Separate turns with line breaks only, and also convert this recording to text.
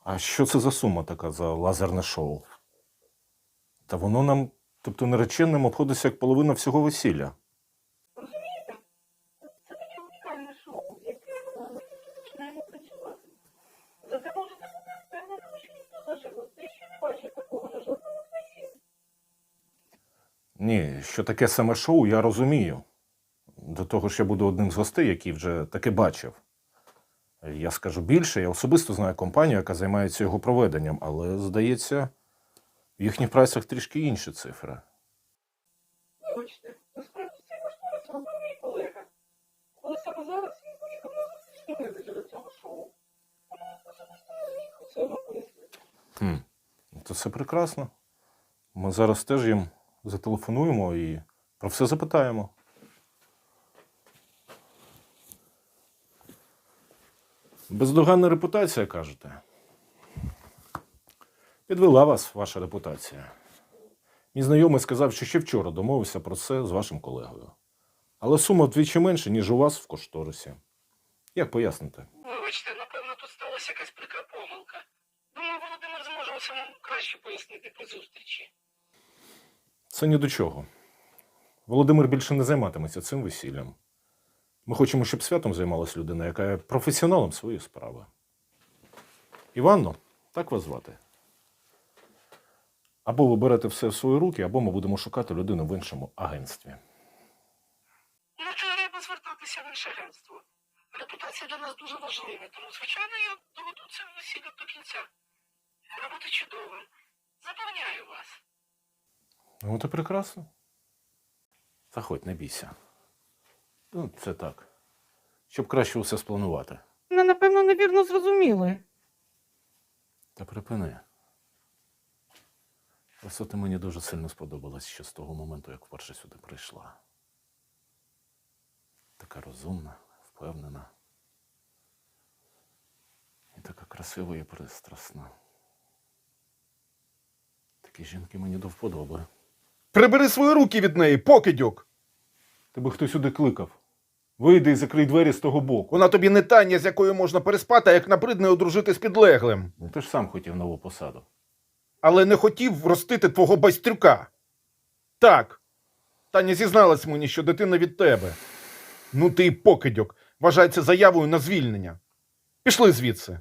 А що це за сума така за лазерне шоу? Та воно нам, тобто нареченим, обходиться як половина всього весілля.
Розумієте? Це таке унікальне шоу, яке ми починаємо працювати. Зате можете бути впевненими, що ніхто з наших гостей ще не бачив такого на жодному з весіль.
Ні, що таке саме шоу, я розумію. До того ж, я буду одним з гостей, який вже таке бачив. Я скажу більше, я особисто знаю компанію, яка займається його проведенням, але, здається, в їхніх прайсах трішки інші цифри.
Вибачте, насправді цей кошторис робив мій колега. Але саме зараз він поїхав на зустріч менеджера цього шоу. Тому особисто не зміг усе вам пояснити.
То це прекрасно. Ми зараз теж їм зателефонуємо і про все запитаємо. Бездоганна репутація, кажете? Підвела вас ваша репутація. Мій знайомий сказав, що ще вчора домовився про це з вашим колегою. Але сума вдвічі менша, ніж у вас в кошторисі. Як поясните?
Вибачте, напевно, тут сталася якась прикра помилка. Думаю, Володимир зможе усе вам краще пояснити при зустрічі.
Це ні до чого. Володимир більше не займатиметься цим весіллям. Ми хочемо, щоб святом займалась людина, яка є професіоналом своєї справи. Іванно, так вас звати? Або ви берете все в свої руки, або ми будемо шукати людину в іншому агентстві.
Ну, треба звертатися в інше агентство. Репутація для нас дуже важлива, тому, звичайно, я доведу це весілля до кінця. Робота чудова. Запевняю вас.
Ну, це прекрасно. Заходь, не бійся. Ну, це так. Щоб краще усе спланувати.
Мене, напевно, невірно зрозуміли.
Та припини. Просто ти мені дуже сильно сподобалась ще з того моменту, як вперше сюди прийшла. Така розумна, впевнена. І така красива і пристрасна. Такі жінки мені до вподоби.
Прибери свої руки від неї, покидьок!
Тебе хтось сюди кликав. Вийди і закрий двері з того боку.
Вона тобі не Таня, з якою можна переспати, а як набридне одружити з підлеглим.
Ну, ти ж сам хотів нову посаду.
Але не хотів ростити твого байстрюка. Так, Таня зізналась мені, що дитина від тебе. Ну ти і покидьок. Вважай це заявою на звільнення. Пішли звідси.